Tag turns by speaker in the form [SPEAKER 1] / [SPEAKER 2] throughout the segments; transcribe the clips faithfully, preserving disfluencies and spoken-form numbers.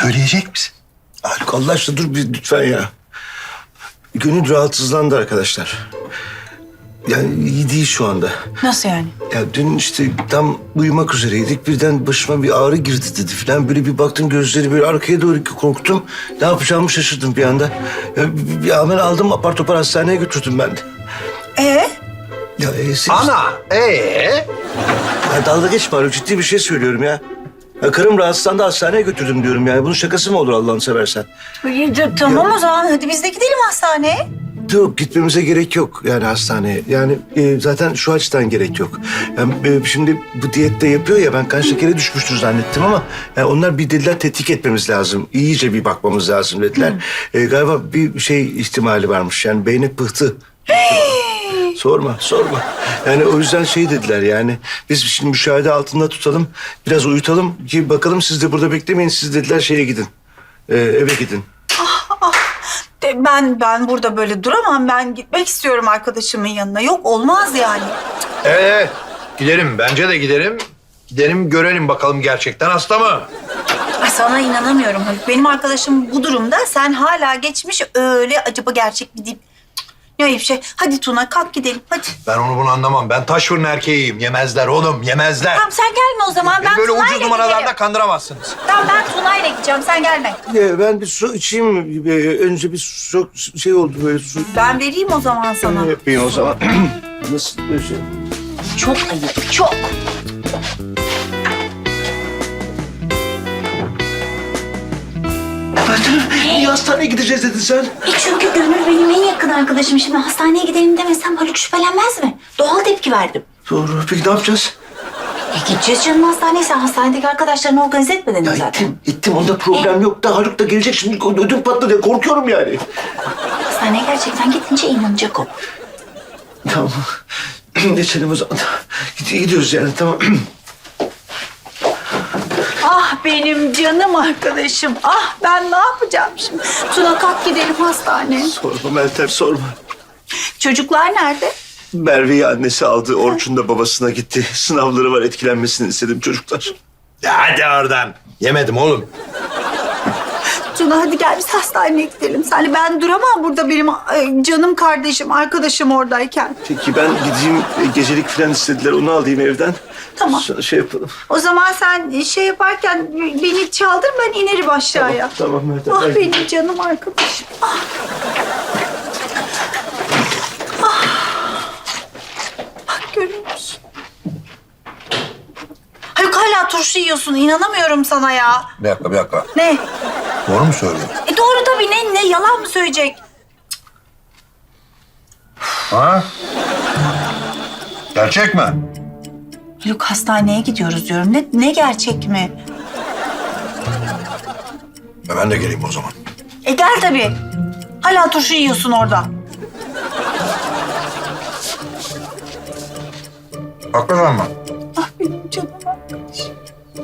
[SPEAKER 1] Söyleyecek misin?
[SPEAKER 2] Haluk Allah aşkına dur bir lütfen ya. Gönül rahatsızlandı arkadaşlar. Yani iyi değil şu anda.
[SPEAKER 3] Nasıl yani?
[SPEAKER 2] Ya dün işte tam uyumak üzereydik. Birden başıma bir ağrı girdi dedi falan. Böyle bir baktım gözleri böyle arkaya doğru korktum. Ne yapacağımı şaşırdım bir anda. Ya, bir, bir hemen aldım apar topar hastaneye götürdüm ben de.
[SPEAKER 3] Ee?
[SPEAKER 2] Ya, e, siz-
[SPEAKER 1] Ana, ee?
[SPEAKER 2] Ya dalga geçme Haluk, ciddi bir şey söylüyorum ya. Ya karım rahatsızlandı, hastaneye götürdüm diyorum yani. Bunun şakası mı olur Allah'ını seversen?
[SPEAKER 3] Tamam o zaman hadi biz de gidelim hastaneye.
[SPEAKER 2] Yok, gitmemize gerek yok yani hastaneye. Yani e, zaten şu açıdan gerek yok. Yani, e, şimdi bu diyette yapıyor ya, ben kan şekeri düşmüştür zannettim ama... Yani onlar bir dediler tetkik etmemiz lazım. İyice bir bakmamız lazım dediler. E, galiba bir şey ihtimali varmış, yani beyni pıhtı. Sorma, sorma. Yani o yüzden şey dediler yani... Biz şimdi müşahede altında tutalım, biraz uyutalım ki bakalım, siz de burada beklemeyin. Siz dediler şeye gidin, e, eve gidin.
[SPEAKER 3] De, Ben ben burada böyle duramam. Ben gitmek istiyorum arkadaşımın yanına. Yok olmaz yani.
[SPEAKER 1] Evet, evet. Giderim, bence de giderim. Gidelim görelim bakalım gerçekten hasta mı?
[SPEAKER 3] Ay sana inanamıyorum Haluk. Benim arkadaşım bu durumda. Sen hala geçmiş öyle acaba gerçek mi deyip... Ne ayıp şey. Hadi Tuna kalk gidelim hadi.
[SPEAKER 1] Ben onu bunu anlamam. Ben taş fırın erkeğiyim. Yemezler oğlum, yemezler.
[SPEAKER 3] Tamam sen gelme o zaman.
[SPEAKER 1] Beni
[SPEAKER 3] Ben
[SPEAKER 1] böyle
[SPEAKER 3] Tuna'yla
[SPEAKER 1] ucuz numaralarla
[SPEAKER 3] giderim.
[SPEAKER 1] kandıramazsınız.
[SPEAKER 3] Tamam ben Tuna'yla gideceğim. Sen gelme.
[SPEAKER 2] Ya ben bir su içeyim mi? Ee, Önce bir su şey oldu böyle su.
[SPEAKER 3] Ben vereyim o zaman sana.
[SPEAKER 2] Yapayım o zaman. Nasıl böyle şey?
[SPEAKER 3] Çok ayıp çok.
[SPEAKER 2] Niye hastaneye gideceğiz dedin sen?
[SPEAKER 3] E çünkü Gönül benim en yakın arkadaşım. Şimdi hastaneye gidelim demesem Haluk şüphelenmez mi? Doğal tepki verdim.
[SPEAKER 2] Doğru. Peki ne yapacağız?
[SPEAKER 3] E gideceğiz canım hastaneye. Sen hastanedeki arkadaşlarını organize etmedin mi
[SPEAKER 2] Ya
[SPEAKER 3] zaten?
[SPEAKER 2] gittim, gittim. Onda problem yok da Haluk da gelecek şimdi. Ödüm patladı diye korkuyorum yani.
[SPEAKER 3] Hastaneye gerçekten gidince inanacak o.
[SPEAKER 2] Tamam. Geçelim o zaman. Gid- Gidiyoruz yani, tamam.
[SPEAKER 3] Ah benim canım arkadaşım. Ah ben ne yapacağım şimdi? Tuna kalk gidelim hastaneye.
[SPEAKER 2] Sorma Meltem, sorma.
[SPEAKER 3] Çocuklar nerede?
[SPEAKER 2] Merve'yi annesi aldı. Orçun da babasına gitti. Sınavları var, etkilenmesini istedim çocuklar.
[SPEAKER 1] Ya hadi oradan. Yemedim oğlum.
[SPEAKER 3] Tuna hadi gel biz hastaneye gidelim. Sen ben duramam burada benim e, canım kardeşim, arkadaşım oradayken.
[SPEAKER 2] Peki ben gideyim, e, gecelik falan istediler. Onu alayım evden.
[SPEAKER 3] Tamam.
[SPEAKER 2] Sonra şey yapalım.
[SPEAKER 3] O zaman sen şey yaparken beni çaldır ben inerim aşağıya.
[SPEAKER 2] Tamam, tamam Meltem.
[SPEAKER 3] Ah
[SPEAKER 2] ben-
[SPEAKER 3] benim canım arkadaşım. Ah. Ah. Bak görüyor musun? Haluk hala turşu yiyorsun. İnanamıyorum sana ya.
[SPEAKER 1] Bir dakika, bir dakika.
[SPEAKER 3] Ne?
[SPEAKER 1] Doğru mu söylüyorsun?
[SPEAKER 3] E doğru tabii. Ne, ne yalan mı söyleyecek?
[SPEAKER 1] Ha? Gerçek mi?
[SPEAKER 3] Haluk hastaneye gidiyoruz diyorum. Ne, ne gerçek mi?
[SPEAKER 1] E ben de geleyim o zaman.
[SPEAKER 3] E gel tabii. Hala turşu yiyorsun orada.
[SPEAKER 1] Hakikaten mi?
[SPEAKER 3] Ah benim canım arkadaşım.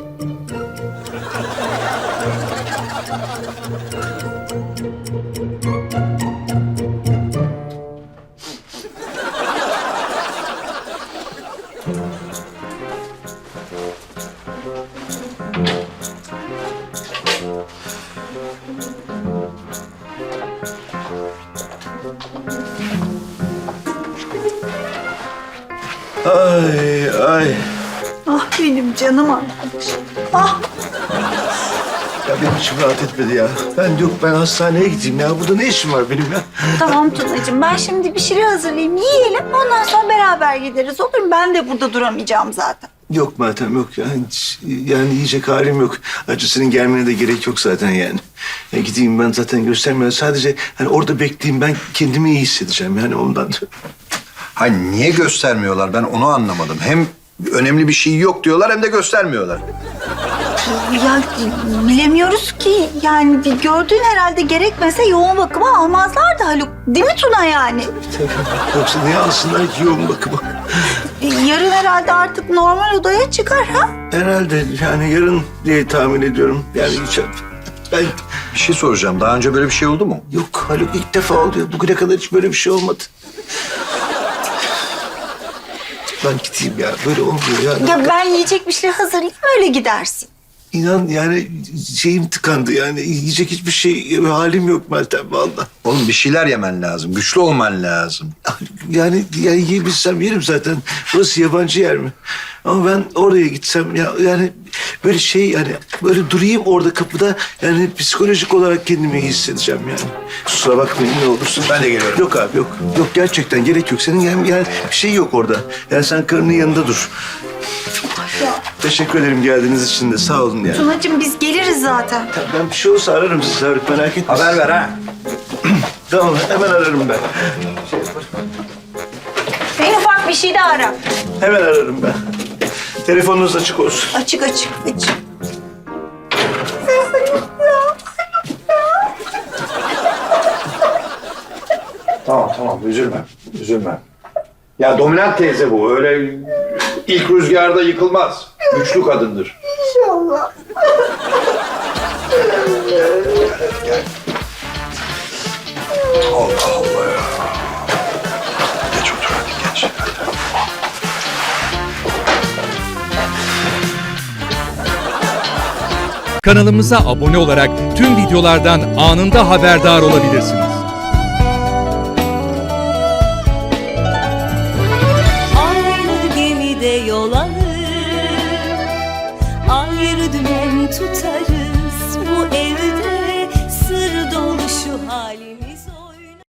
[SPEAKER 2] Ay ay.
[SPEAKER 3] Ah benim canım arkadaşım. Ah.
[SPEAKER 2] Ya benim içim rahat etmedi ya. Ben yok, ben hastaneye gideyim ya. Burada ne işim var benim ya?
[SPEAKER 3] Tamam Tunacığım ben şimdi bir şeyler hazırlayayım yiyelim. Ondan sonra beraber gideriz olur mu? Ben de burada duramayacağım zaten.
[SPEAKER 2] Yok Meltem, yok ya. Hiç, yani yiyecek halim yok. Ayrıca senin gelmene de gerek yok zaten yani. Ya gideyim ben, zaten göstermiyorum. Sadece hani orada bekleyeyim, ben kendimi iyi hissedeceğim yani ondan.
[SPEAKER 1] Hayır, niye göstermiyorlar? Ben onu anlamadım. Hem önemli bir şey yok diyorlar hem de göstermiyorlar.
[SPEAKER 3] Ya bilemiyoruz ki. Yani bir gördüğün herhalde gerekmese yoğun bakıma almazlardı Haluk. Değil mi Tuna yani?
[SPEAKER 2] Yoksa niye alsınlar ki yoğun bakıma?
[SPEAKER 3] Yarın herhalde artık normal odaya çıkar ha?
[SPEAKER 2] Herhalde yani yarın diye tahmin ediyorum. Yani hiç... Ben...
[SPEAKER 1] Bir şey soracağım. Daha önce böyle bir şey oldu mu?
[SPEAKER 2] Yok Haluk, ilk defa oluyor. Bugüne kadar hiç böyle bir şey olmadı. Ben gideyim ya. Böyle olmuyor ya.
[SPEAKER 3] Ya ben yiyecek bir şey hazırlayayım öyle gidersin.
[SPEAKER 2] inan yani şeyim tıkandı yani. Yiyecek hiçbir şey halim yok Meltem vallahi.
[SPEAKER 1] Oğlum bir şeyler yemen lazım. Güçlü olman lazım.
[SPEAKER 2] Yani, yani yiyebilsem yerim zaten. Burası yabancı yer mi? Ama ben oraya gitsem ya yani böyle şey yani böyle durayım orada kapıda yani psikolojik olarak kendimi iyi hissedeceğim yani. Kusura bakmayın ne olursun.
[SPEAKER 1] Ben de geliyorum.
[SPEAKER 2] Yok abi yok. Yok gerçekten gerek yok. Senin yani, yani bir şey yok orada. Yani sen karının yanında dur. Teşekkür ederim geldiğiniz için de sağ olun yani.
[SPEAKER 3] Tunacığım biz geliriz zaten.
[SPEAKER 2] Ben bir şey olursa ararım sizi Haluk merak etme.
[SPEAKER 1] Haber ver ha.
[SPEAKER 2] Tamam hemen ararım ben.
[SPEAKER 3] En ufak bir şey de ara.
[SPEAKER 2] Hemen ararım ben. Telefonunuz açık olsun.
[SPEAKER 3] Açık açık açık.
[SPEAKER 1] Tamam tamam üzülme. Üzülme. Ya dominant teyze bu. Öyle ilk rüzgarda yıkılmaz. Güçlü kadındır.
[SPEAKER 3] İnşallah.
[SPEAKER 1] Gel. Allah Allah ya. Geç otur hadi geç. Hadi.
[SPEAKER 4] Kanalımıza abone olarak tüm videolardan anında haberdar olabilirsiniz.
[SPEAKER 5] Aynı gemide yol alır, ayrı dümen tutarız.